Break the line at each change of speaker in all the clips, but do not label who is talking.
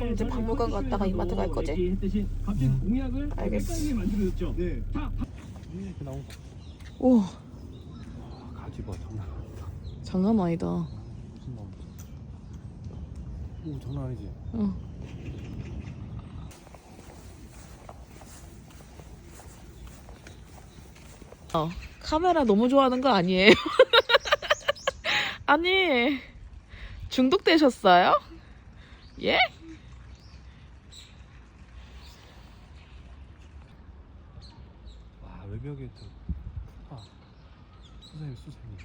그럼 이제 박물관 갔다가 이마트 갈 거지? 알겠어.
네.
오,
가지 봐, 장난 아니다.
장난 아니다.
오, 장난 아니지?
응. 카메라 너무 좋아하는 거 아니에요? 아니, 중독되셨어요? 예?
와, 외벽에 또 수상해.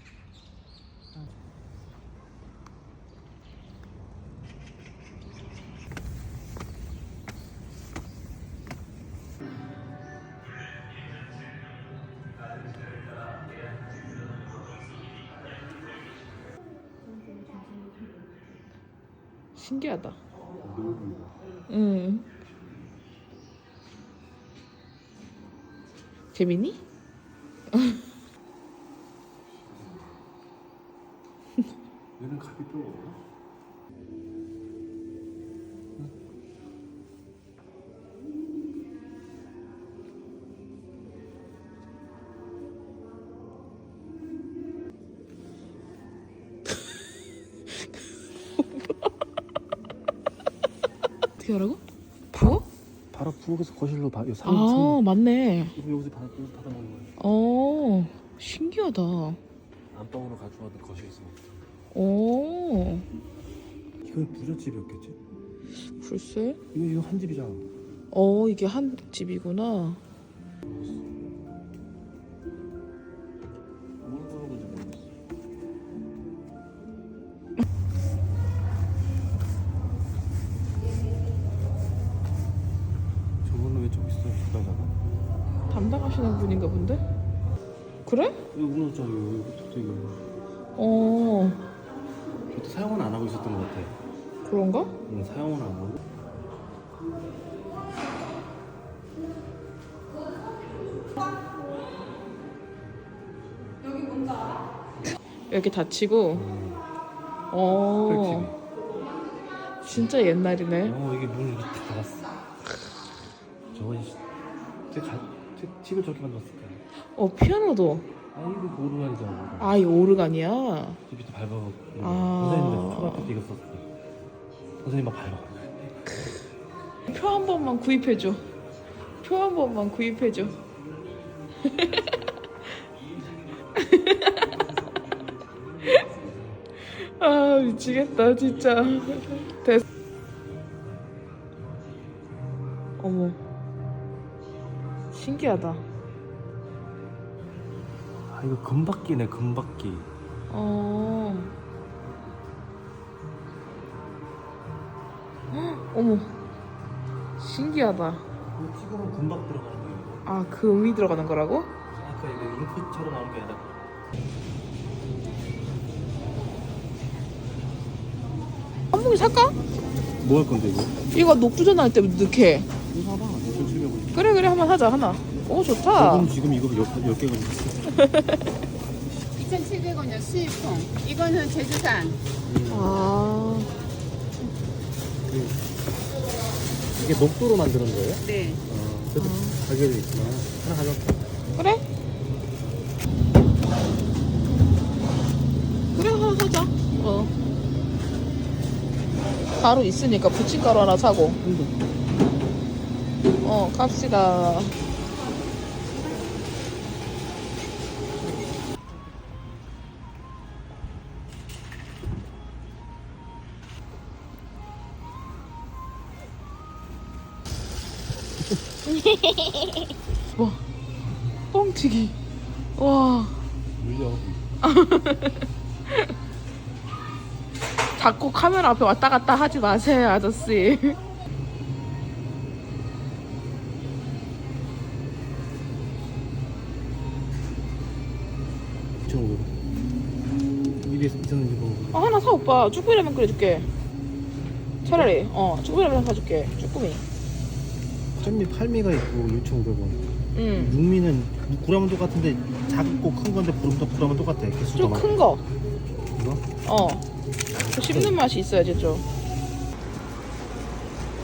신기하다. 응. 재밌니?
얘는 갑이 뼈가 없나?
어떻게 하라고? 부어?
바로 부엌에서 거실로 여기
아, 맞네.
여기서 받아 먹는 거예요.
어, 신기하다.
안방으로 가져와도 거실에 있으니까.
오,
이건 부잣집이었겠지?
글쎄.
이거 한 집이잖아.
이게 한 집이구나.
뭘 보는 건지 모르겠어. 저분은 왜 저기 있어? 주방자가?
담당하시는 분인가 본데? 그래?
여기 우는 여기
어,
저도 사용은 안 하고 있었던 것 같아.
그런가?
응, 사용은 안 하고.
이렇게 닫히고. 어, 진짜 옛날이네.
이게 문을 이렇게 다 닫았어. 저거 제 집을 저렇게 만들었을까?
피아노도.
이거 오르간이잖아.
아, 이거 오르간이야.
집이 또 밟아가지고.
아.
선생님들 초등학교 때 이거 썼어. 선생님 막 밟아.
표 한 번만 구입해줘. 표 한 번만 구입해줘. 아, 미치겠다, 진짜. 됐어. 어머. 신기하다.
이거 금바퀴네, 금바퀴.
어머. 신기하다.
이거 찍으면 금박 들어가는 거예요.
아, 그 음이 들어가는 거라고?
아까 이거 잉크처럼 나온 게 아니라.
한복이 살까?
뭐 할 건데 이거?
이거 녹두전 할 때 넣게.
이거 사봐. 2,700원.
그래, 한번 하자, 하나. 오, 좋다.
저건 지금 이거 10개가 있어.
2,700원이요, 수입통. 이거는 제주산.
아,
이게 녹두로 만드는 거예요?
네.
그래도 가격이 있구나. 하나 가져올게.
그래? 그래, 하나 사자. 가루 있으니까 부침가루 하나 사고. 갑시다. 와, 뻥튀기. 와.
물려.
자꾸 카메라 앞에 왔다 갔다 하지 마세요, 아저씨.
입에 있었는지 모르고.
하나 사, 오빠. 쭈꾸미라면 끓여줄게. 차라리 쭈꾸미라면 사줄게. 쭈꾸미.
짠미 팔미가 있고 6,500원.
응.
육미는 구라면 똑같은데 작고 큰 건데 구라면 똑같아. 개수가
좀
많아.
큰 거.
이거?
그 씹는 맛이 있어야지 좀.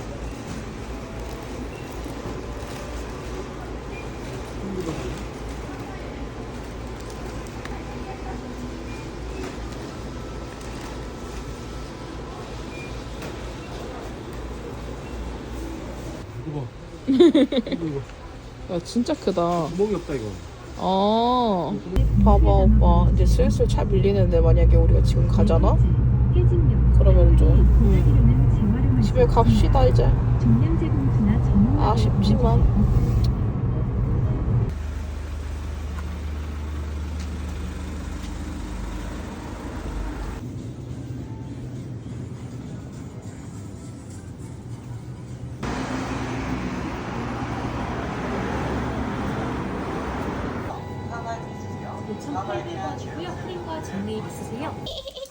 이거.
야 진짜 크다.
목이 없다 이거.
봐봐 오빠 이제 슬슬 차 밀리는데 만약에 우리가 지금 가잖아? 그러면 좀 집에 갑시다 이제. 아쉽지만
요청 800원이고요. 할인과 정리일 있으세요?